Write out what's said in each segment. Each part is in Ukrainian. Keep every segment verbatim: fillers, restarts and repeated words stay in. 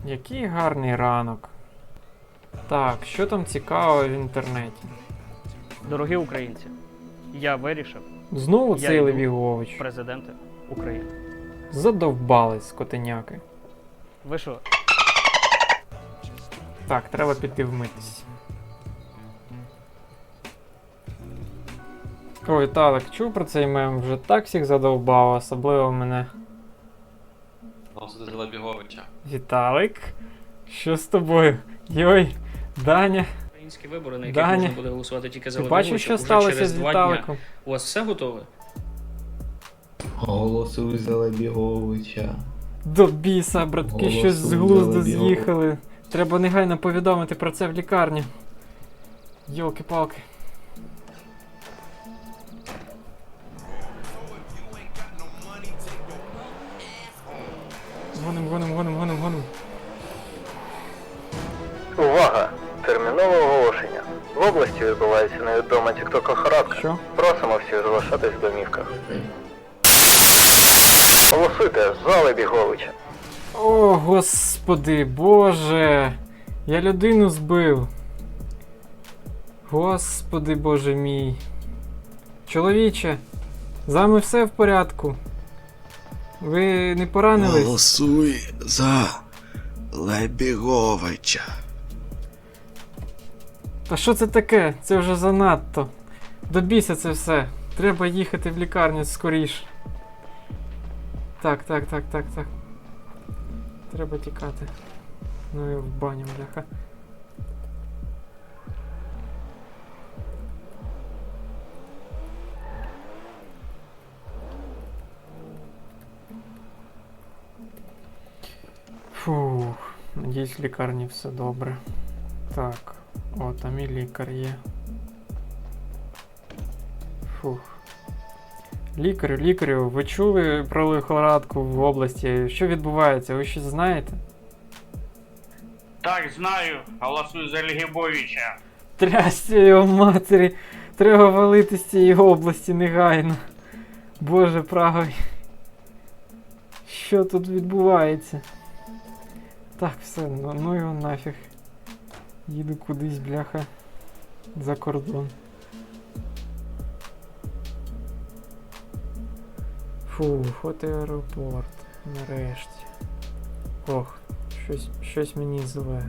Який гарний ранок. Так, що там цікавого в інтернеті? Дорогі українці, я вирішив Знову Я цей йду. Лебігович. президенти України. Задовбались, скотиняки. Ви що? Так, треба піти вмитись. Ой, Талик, чув про цей мем? Вже так всіх задовбав, особливо мене. Голосуйте за Лебіговича. Віталик, що з тобою? Йой, Даня, Українські вибори, на яких Даня, можна буде голосувати тільки за ти Лебіговича. бачив, що Уже сталося через з два дня. Віталиком? У вас все готове? Голосуй за Лебіговича. До біса, братки, Голосуй щось з за глузду Лебіговича. з'їхали. Треба негайно повідомити про це в лікарні. Йолки-палки. Гоним, гоним, гоним, гоним, гоним. Увага! Термінове оголошення. В області відбувається невідома тікток-охорадка. Що? Просимо всіх залишатись в домівках. Голосуйте за Лебіговича. О, господи, боже. Я людину збив. Господи, боже мій. Чоловіче, з вами все в порядку? Ви не поранились? Голосуй за Лебіговича. Та що це таке? Це вже занадто. До біса це все. Треба їхати в лікарню скоріш. Так, так, так, так, так. Треба тікати. Ну і в баню, бляха. Фух, надіюсь, в лікарні все добре. Так, о, там і лікар є. Фух. Лікарю, лікарю, ви чули про лихорадку в області? Що відбувається? Ви щось знаєте? Так, знаю. Голосую за Лебіговича. Трясся його матері! Треба валити з цієї області негайно. Боже правий. Що тут відбувається? Так, все, ну, ну його нафіг. Їду кудись, бляха, за кордон. Фух, от і аеропорт. Нарешті. Ох, щось, щось мені зле.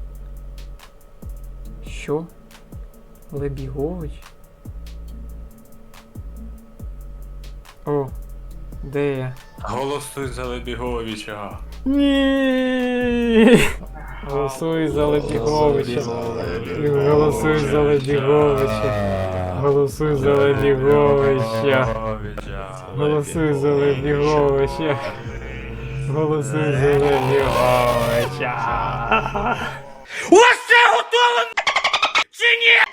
Що? Лебігович? О, де я? Голосуй за Лебіговича. Ні! Голосуй за Лебіговича. Голосуй за Лебіговича. Голосуй за Лебіговича. Голосуй за Лебіговича. Голосуй за Лебіговича. У вас все готово, чи ні?